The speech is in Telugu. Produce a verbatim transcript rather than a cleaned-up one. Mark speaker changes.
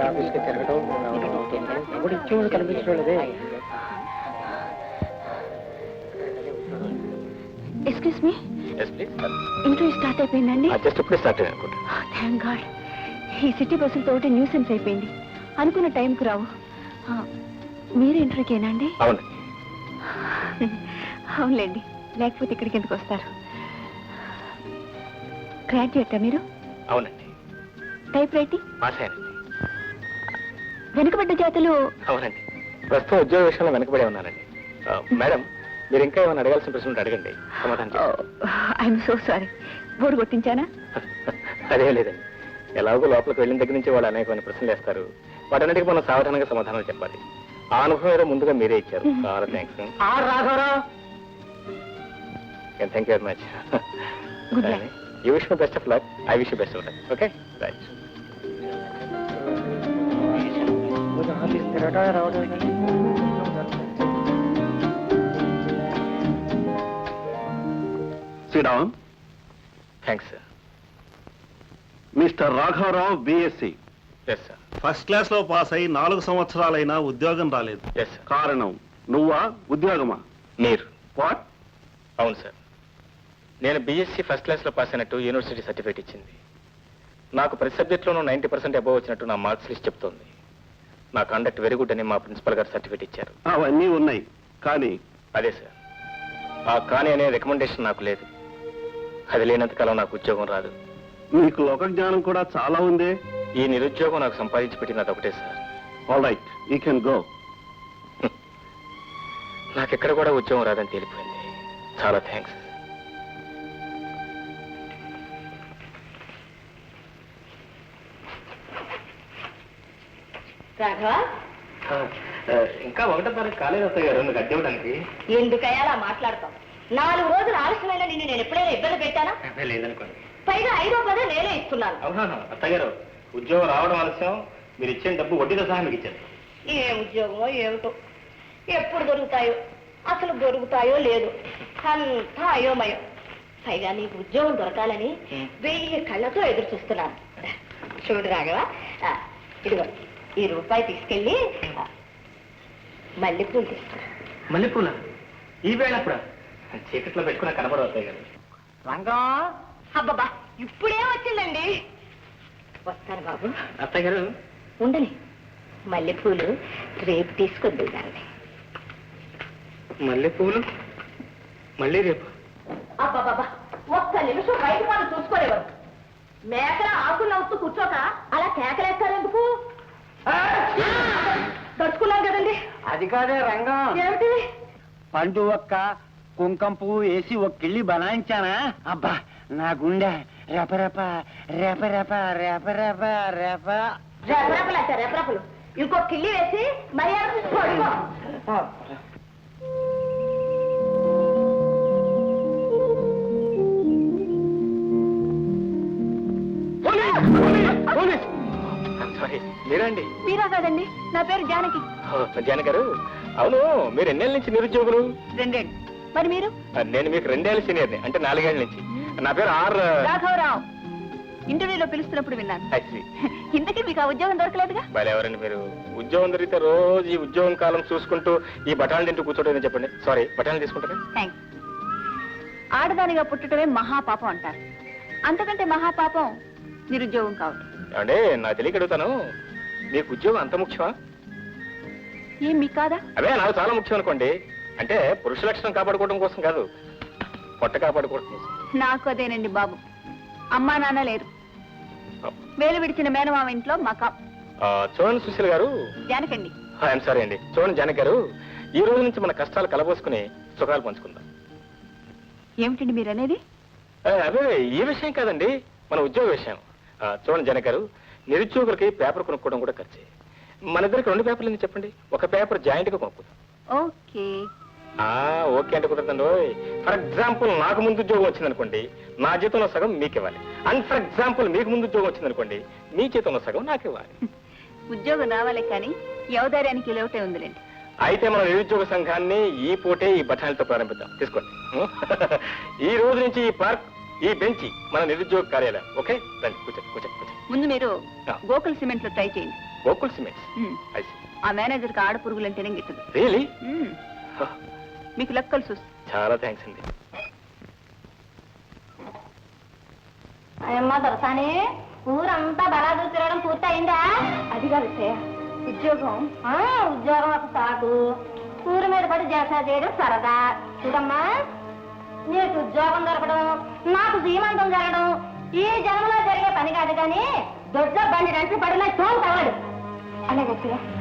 Speaker 1: ఆఫీస్కి తిరగడం ఇప్పుడు ఇచ్చేవాడు కనిపించడం లేదే.
Speaker 2: ఎక్స్క్యూజ్ మీ, ఇంటర్వ్యూ స్టార్ట్ అయిపోయిందండి.
Speaker 3: జస్ట్ ఇప్పుడే స్టార్ట్ అయ్యి అనుకుంటా.
Speaker 2: Thank God. ఈ సిటీ బస్సులతో ఒకటి న్యూసెన్స్ అయిపోయింది. అనుకున్న టైంకు రావు. మీరు ఇంటర్వ్యూకేనా అండి?
Speaker 3: అవును.
Speaker 2: అవునులేండి, లేకపోతే ఇక్కడికి ఎందుకు వస్తారు? గ్రాడ్యుయేటా మీరు?
Speaker 3: అవునండి.
Speaker 2: Type writing? వెనుకబడ్డ జాతులు?
Speaker 3: అవునండి. ప్రస్తుతం ఉద్యోగ విషయంలో వెనుకబడే ఉన్నానండి. మేడం, మీరు ఇంకా ఏమైనా అడగాల్సిన ప్రశ్నలు అడగండి, సమాధానం.
Speaker 2: I'm so sorry. బోర్డు కొట్టించానా?
Speaker 3: అదే లేదండి. ఎలాగో లోపలికి వెళ్ళిన దగ్గర నుంచి వాళ్ళు అనేకమైన ప్రశ్నలు వేస్తారు. వాటన్నిటికీ మనం సావధానంగా సమాధానాలు చెప్పాలి. ఆ అనుభవం ఏదో ముందుగా మీరే ఇచ్చారు. చాలా thanks. Thank you very much. You wish my best of luck. I wish you best of luck. Okay, right.
Speaker 1: Office తిరగటం రావడం.
Speaker 4: శ్రీరామ్.
Speaker 3: Thanks sir.
Speaker 4: మిస్టర్ రాఘవరావు, BSc.
Speaker 3: Yes sir.
Speaker 4: First class లో పాస్ అయి నాలుగు సంవత్సరాలైనా ఉద్యోగం రాలేదు.
Speaker 3: Yes sir.
Speaker 4: కారణం నువ్వా, ఉద్యోగమా?
Speaker 3: మీరు.
Speaker 4: వాట్?
Speaker 3: అవును సార్. నేను బీఎస్సీ ఫస్ట్ క్లాస్లో పాస్ అయినట్టు యూనివర్సిటీ సర్టిఫికేట్ ఇచ్చింది. నాకు ప్రతి సబ్జెక్ట్లోనూ నైంటీ పర్సెంట్ అబోవ్ వచ్చినట్టు నా మార్క్స్ లిస్ట్ చెప్తోంది. నా కండక్ట్ వెరీ గుడ్ అని మా ప్రిన్సిపల్ గారు సర్టిఫికేట్ ఇచ్చారు.
Speaker 4: అవన్నీ ఉన్నాయి, కానీ
Speaker 3: అదే సార్, ఆ కానీ అనే రికమెండేషన్ నాకు లేదు. అది లేనంతకాలం నాకు ఉద్యోగం రాదు.
Speaker 4: నీకు లోక జ్ఞానం కూడా చాలా ఉంది.
Speaker 3: ఈ నిరుద్యోగం నాకు సంపాదించి పెట్టినది ఒకటే sir.
Speaker 4: All right, you can go.
Speaker 3: నాకెక్కడ కూడా ఉద్యోగం రాదని తేలిపోయింది. చాలా థ్యాంక్స్. ఇంకా ఒకటో తారీఖు కాలేజ్ వస్తాయి గారు నువ్వు గడ్డి ఇవ్వడానికి.
Speaker 2: ఎందుకయ్యా అలా మాట్లాడతాం? నాలుగు రోజులు ఆలస్యమైన నిన్ను నేను ఎప్పుడైనా ఇబ్బంది పెట్టానా?
Speaker 3: లేదనుకోండి.
Speaker 2: పైగా ఐదో పదే నేనే ఇస్తున్నాను.
Speaker 3: అవునా అత్తయ్య గారు, ఉద్యోగం రావడం ఆలస్యం, మీరు ఇచ్చిన డబ్బు వడ్డీతో సహా మీకు ఇచ్చారు.
Speaker 2: ఏ ఉద్యోగమో ఏమిటో, ఎప్పుడు దొరుకుతాయో, అసలు దొరుకుతాయో లేదు, అంతా అయోమయం. పైగా నీకు ఉద్యోగం దొరకాలని వెయ్యి కళ్ళతో ఎదురు చూస్తున్నాను. చూడు రాఘవా, ఇదిగో ఈ రూపాయి తీసుకెళ్ళి మల్లెపూలు తీసుకురా.
Speaker 3: మల్లెపూల? ఈ వేళ అప్పుడు చీకట్లో పెట్టుకున్న కనబడవు అత్తయ్య గారు.
Speaker 1: రంగం.
Speaker 2: అబ్బబ్బా, ఇప్పుడే వచ్చిందండి. వస్తాను బాబు.
Speaker 3: అత్తయ్య గారు
Speaker 2: ఉండని, మల్లెపూలు రేపు తీసుకొద్దు దాన్ని.
Speaker 3: మల్లెపూలు మళ్ళీ రేపు?
Speaker 2: అబ్బాబాబా, ఒక్క నిమిషం బయట వాళ్ళు చూసుకోలేవారు. మేకల ఆకులు నవ్వుతూ కూర్చోక అలా కేకలేస్తారెందుకు? దడుచుకున్నాను కదండి.
Speaker 1: అది కాదే రంగం.
Speaker 2: ఏమిటి?
Speaker 1: పండు ఒక్క కుంకం పువ్వు వేసి ఒక కిళ్ళి బనాయించానా, అబ్బా నా గుండె రెపరెప రెపరెప రెపరెప రెప.
Speaker 2: రెపరెపలు అంటే రెపరెపలు. ఇంకో కిళ్ళి వేసి మర్యాద పడుకో.
Speaker 3: మీరండి?
Speaker 2: మీరా కాదండి, నా పేరు జానకి.
Speaker 3: జానకి గారు, అవును మీరు ఎన్నేళ్ళ నుంచి నిరుద్యోగులు?
Speaker 2: రెండేళ్ళు. మరి మీరు?
Speaker 3: నేను మీకు రెండేళ్ళ సీనియర్ని, అంటే నాలుగేళ్ల నుంచి. నా పేరు ఆర్
Speaker 2: రాఘవరావు. ఇంటర్వ్యూలో పిలుస్తున్నప్పుడు విన్నాను. ఇంతకీ మీకు ఆ ఉద్యోగం దొరకలేదుగా?
Speaker 3: ఎవరండి మీరు? ఉద్యోగం దొరికితే రోజు ఈ ఉద్యోగం కాలం చూసుకుంటూ ఈ బఠాలు తింటూ కూర్చోటం చెప్పండి. సారీ, బఠాలు తీసుకుంటారా?
Speaker 2: థ్యాంక్స్. ఆడదానిగా పుట్టడమే మహాపాపం అంటారు. అంతకంటే మహాపాపం నిరుద్యోగం కావడం.
Speaker 3: అంటే నా తెలియక అడుగుతాను, మీకు ఉద్యోగం అంత ముఖ్యమా?
Speaker 2: ఏం మీకు కాదా?
Speaker 3: అదే నాకు చాలా ముఖ్యం అనుకోండి. అంటే పురుష లక్షణం కాపాడుకోవడం కోసం కాదు, పొట్ట కాపాడుకోవడం కోసం.
Speaker 2: నాకు అదేనండి బాబు. అమ్మా నాన్న లేరు, వేలు విడిచిన మేనమామ ఇంట్లో మకా.
Speaker 3: చూడండి సుశీల్ గారు.
Speaker 2: జానకండి.
Speaker 3: ఐఎమ్ సారీ అండి. చూడండి జానక్ గారు, ఈ రోజు నుంచి మన కష్టాలు కలబోసుకుని సుఖాలు పంచుకుందాం.
Speaker 2: ఏమిటండి మీరు అనేది?
Speaker 3: అదే ఈ విషయం కాదండి, మన ఉద్యోగ విషయం. చూడండి జానక్ గారు, నిరుద్యోగులకి పేపర్ కొనుక్కోవడం కూడా ఖర్చే. మన ఇద్దరికి రెండు పేపర్లు ఎందుకు చెప్పండి, ఒక పేపర్ జాయింట్ గా కొనుక్కుందాం.
Speaker 2: ఓకే.
Speaker 3: ఓకే అంటే కుదరదండి. ఫర్ ఎగ్జాంపుల్ నాకు ముందు ఉద్యోగం వచ్చిందనుకోండి, నా జీతంలో సగం మీకు ఇవ్వాలి. అండ్ ఫర్ ఎగ్జాంపుల్ మీకు ముందు ఉద్యోగం వచ్చిందనుకోండి, మీ జీతంలో సగం నాకు ఇవ్వాలి.
Speaker 2: ఉద్యోగం రావాలి కానీ యవదార్యానికి లేవటే ఉందిలేండి.
Speaker 3: అయితే మన నిరుద్యోగ సంఘాన్ని ఈ పూటే ఈ బఠానీలతో ప్రారంభిద్దాం. తీసుకోండి. ఈ రోజు నుంచి ఈ పార్క్, ఈ బెంచి మన నిరుద్యోగ కార్యాలయం. ఓకే, రండి కూర్చోండి కూర్చోండి కూర్చోండి.
Speaker 2: ముందు మీరు గోకుల్ సిమెంట్ లో ట్రై చేయండి.
Speaker 3: Gokul cements.
Speaker 5: Um.
Speaker 3: I see.
Speaker 5: ఆ మేనేజర్కి ఆడ పురుగులంటేనే గిట్టదు.
Speaker 3: Really?
Speaker 5: ఉమ్. మీకు లెక్కలు చూసి
Speaker 3: చాలా థ్యాంక్స్ అండి.
Speaker 2: అమ్మా దొరసాని ఊరంతా బలాదు తిరగడం పూర్తయిందా? అది కాదు ఉద్యోగం. ఆ ఉద్యోగం ఒక సాగు, ఊరి మీద పడి జలసా చేయడం సరదా. చూడమ్మా, నీకు ఉద్యోగం దొరకడం, నాకు సీమంతం జరగడం ఈ జన్మలో జరిగే పని కాదు కానీ దొడ్ల బండి రంటి పడిన తోలు తగలడు. అలాగే